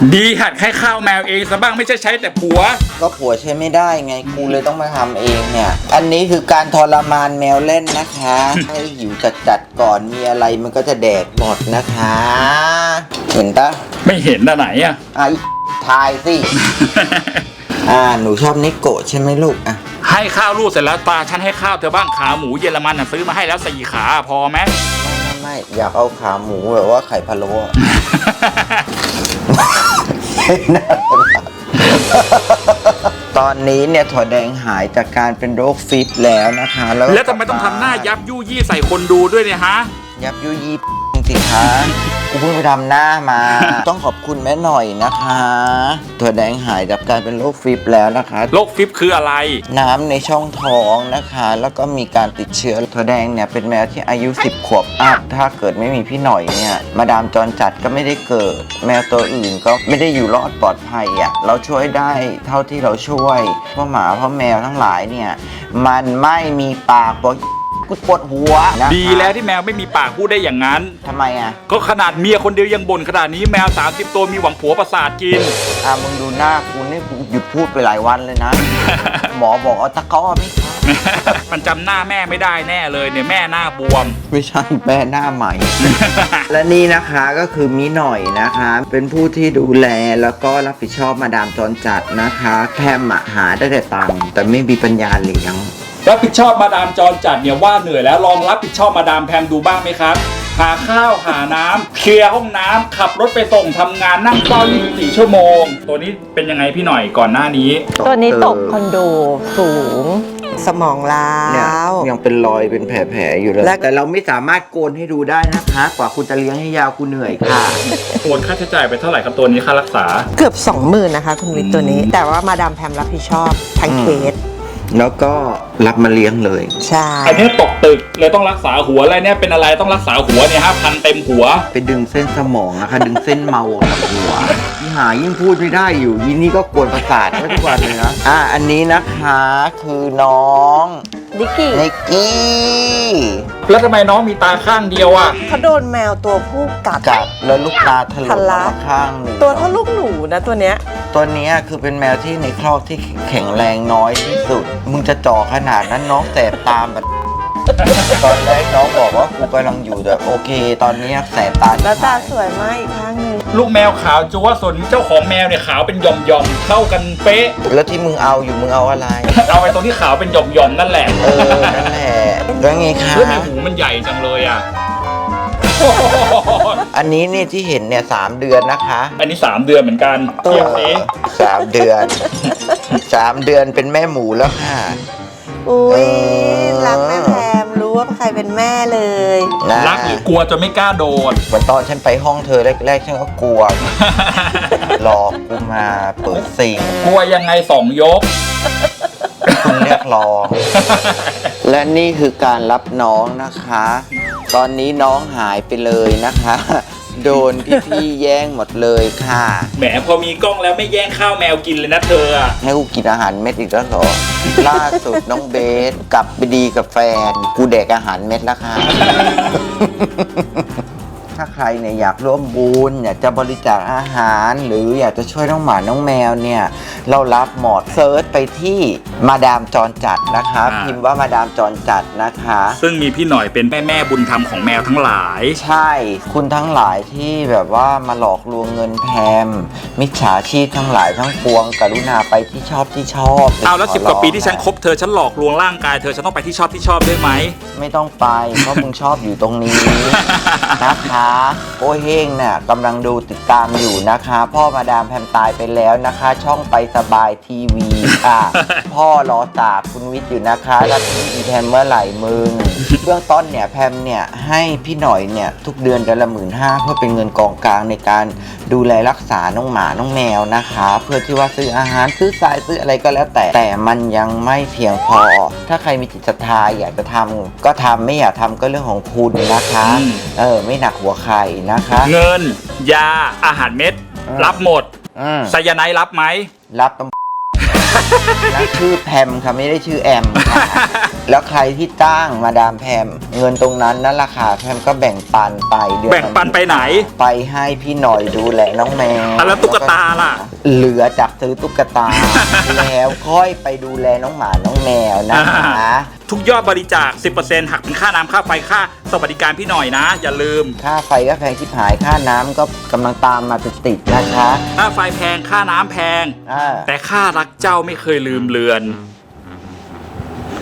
ดีหัดให้ข้าวแมวเองซะบ้างไม่ใช่ใช้แต่ผัวก็ผัวใช้ไม่ได้ไงกูเลยต้องมาทำเองเนี่ยอันนี้คือการทรมานแมวเล่นนะคะให้หิวจัดก่อนมีอะไรมันก็จะแดกหมดนะคะเห็นปะไม่เห็นอะไหนอะทายสิหนูชอบนิโกะใช่ไหมลูกอ่ะให้ข้าวลูกเสร็จแล้วตาฉันให้ข้าวเธอบ้างขาหมูเยอรมันซื้อมาให้แล้ว4 ขาพอไหมไม่อยากเอาขาหมูแบบว่าไข่พะโล้ตอนนี้เนี่ยถั่วแดงหายจากการเป็นโรคฟิตแล้วนะคะแล้วทำไมต้องทำหน้ายับยุยี่ใส่คนดูด้วยเนี่ยฮะยับยุยี่สิคะกูเพิ่งไปทำหน้ามาต้องขอบคุณแม่หน่อยนะคะถั่วแดงหายจากการเป็นโรคฟิตแล้วนะคะโรคฟิตคืออะไรน้ำในช่องท้องนะคะแล้วก็มีการติดเชื้อถั่วแดงเนี่ยเป็นแมวที่อายุ10 ขวบอัพถ้าเกิดไม่มีพี่หน่อยเนี่ยมาดามจรจัดก็ไม่ได้เกิดแมวตัวอื่นก็ไม่ได้อยู่รอดปลอดภัยอ่ะเราช่วยได้เท่าที่เราช่วยเพราะหมาเพราะแมวทั้งหลายเนี่ยมันไม่มีปากกูปวดหัวดีแล้วที่แมวไม่มีปากพูดได้อย่างนั้นทำไมอ่ะก็ขนาดเมียคนเดียวยังบ่นขนาดนี้แมว30 ตัวมีหวังผัวประสาทกินมึงดูหน้ากูนี่กูหยุดพูดไปหลายวันเลยนะ หมอบอกเอาตะก้อไม่มันจำหน้าแม่ไม่ได้แน่เลยเนี่ยแม่หน้าบวมไม่ใช่แม่หน้าใหม่ และนี่นะคะก็คือมิหน่อยนะคะเป็นผู้ที่ดูแลแล้วก็รับผิดชอบมาดามจรจัดนะคะแพมหาได้แต่ตังค์แต่ไม่มีปัญญาเลี้ยงรับผิดชอบมาดามจรจัดเนี่ยว่าเหนื่อยแล้วลองรับผิดชอบมาดามแพมดูบ้างไหมครับหาข้าวหาน้ำเคลียร์ห้องน้ำขับรถไปส่งทำงานนั่งเฝ้า24 ชั่วโมงตัวนี้เป็นยังไงพี่หน่อยก่อนหน้านี้ตัวนี้ตกคอนโดสูงสมองล้าวยังเป็นรอยเป็นแผลอยู่เลยแต่เราไม่สามารถโกนให้ดูได้นะคะกว่าคุณจะเลี้ยงให้ยาวคุณเหนื่อยค่ะโอนค่าใช้จ่ายไปเท่าไหร่ครับตัวนี้ค่ารักษาเกือบ 20,000นะคะคุณวิทย์ตัวนี้แต่ว่ามาดามแพมรับผิดชอบทั้งเคสแล้วก็รับมาเลี้ยงเลยใช่อันนี้ตกตึกเลยต้องรักษาหัวอะไรเนี่ยเป็นอะไรต้องรักษาหัวเนี่ย5,000เต็มหัวไปดึงเส้นสมองนะคะดึงเส้นเมาจากหัวหายิ่งพูดไม่ได้อยู่ยินนี่ก็กวนประสาททุกวันเลยนะอันนี้นะคะคือน้องนิกกี้แล้วทำไมน้องมีตาข้างเดียวอ่ะเขาโดนแมวตัวผู้กัดแล้วลูกตาทะลุมาข้างหนึ่งตัวเท่าลูกหนูนะตัวเนี้ยคือเป็นแมวที่ในครอกที่แข็งแรงน้อยที่สุดมึงจะจ่อขนาดนั้นน้องแสบตาแบบตอนแรกน้องบอกว่ากูกำลังอยู่แต่โอเคตอนนี้แสบตาแล้วตาสวยมากอีกข้างนึงลูกแมวขาวจั๊วส่วนเจ้าของแมวเนี่ยขาวเป็นหย่อมๆเข้ากันเป๊ะแล้วที่มึงเอาอยู่มึงเอาอะไรเอาไปตรงที่ขาวเป็นหย่อมๆนั่นแหละนั่นแหละแล้วไงคะแล้วหูมันใหญ่จังเลยอ่ะอันนี้นี่ที่เห็นเนี่ย3 เดือนนะคะอันนี้3 เดือนเหมือนกันเทียบสิ 3 เดือน3 เดือนเป็นแม่หมูแล้วค่ะอุ้ยรักแม่แพมรู้ว่าใครเป็นแม่เลยรักหรือกลัวจนไม่กล้าโดนเหมือนตอนฉันไปห้องเธอแรกๆฉันก็กลัวหลอกกูมาเปิดซิงกลัวยังไง2 ยกคุณเรียกร้องและนี่คือการรับน้องนะคะตอนนี้น้องหายไปเลยนะคะโดนพี่แย่งหมดเลยค่ะแหมพอมีกล้องแล้วไม่แย่งข้าวแมวกินเลยนะเธอให้กูกินอาหารเม็ดอีกแล้วเหรอล่าสุดน้องเบสกลับไปดีกับแฟนกูแดกอาหารเม็ดแล้วค่ะถ้าใครเนี่ยอยากร่วมบุญอยากจะบริจาคอาหารหรืออยากจะช่วยน้องหมาน้องแมวเนี่ยเรารับหมดเซิร์ชไปที่มาดามจรจัดนะคะพิมพ์ว่ามาดามจรจัดนะคะซึ่งมีพี่หน่อยเป็นแม่บุญธรรมของแมวทั้งหลายใช่คุณทั้งหลายที่แบบว่ามาหลอกลวงเงินแพมมิจฉาชีพทั้งหลายทั้งปวงกรุณาไปที่ชอบเอาแล้ว10 กว่าปีที่ฉันคบเธอฉันหลอกลวงร่างกายเธอฉันต้องไปที่ชอบได้ไหมไม่ต้องไปเพราะมึงชอบอยู่ตรงนี้นะคะโอ้เฮงเนี่ยกำลังดูติดตามอยู่นะคะพ่อมาดามแพมตายไปแล้วนะคะช่องไปสบายทีวีค่ะพ่อรอสาบคุณวิทย์อยู่นะคะแล้วพี่แพมเมื่อไหร่มึงเบื้องต้นเนี่ยแพมเนี่ยให้พี่หน่อยเนี่ยทุกเดือนละ15,000เพื่อเป็นเงินกองกลางในการดูแลรักษาน้องหมาน้องแมวนะคะเพื่อที่ว่าซื้ออาหารซื้อทรายซื้ออะไรก็แล้วแต่มันยังไม่เพียงพอถ้าใครมีจิตศรัทธาอยากจะทำก็ทำไม่อยากทำก็เรื่องของคุณนะคะไม่หนักหัวใครนะคะเงินยาอาหารเม็ดรับหมดไซยาไนด์รับไหมรับชื่อแพมค่ะไม่ได้ชื่อแอมค่ะแล้วใครที่จ้างมาดามแพมเงินตรงนั้นนั่นราคาแพมก็แบ่งปันไปเดือนแบ่งปันไปไหนไปให้พี่หน่อยดูแลน้องแมวแล้วตุ๊กตาล่ะเหลือจากซื้อตุ๊กตา แล้วค่อยไปดูแลน้องหมาน้องแมวนะคะทุกยอดบริจาค 10% หักเป็นค่าน้ำค่าไฟค่าสวัสดิการพี่หน่อยนะ อย่าลืมค่าไฟก็แพงชิบหายค่าน้ำก็กำลังตามมาติดๆนะคะค่าไฟแพงค่าน้ำแพงอ่าแต่ค่ารักเจ้าไม่เคยลืมเลือน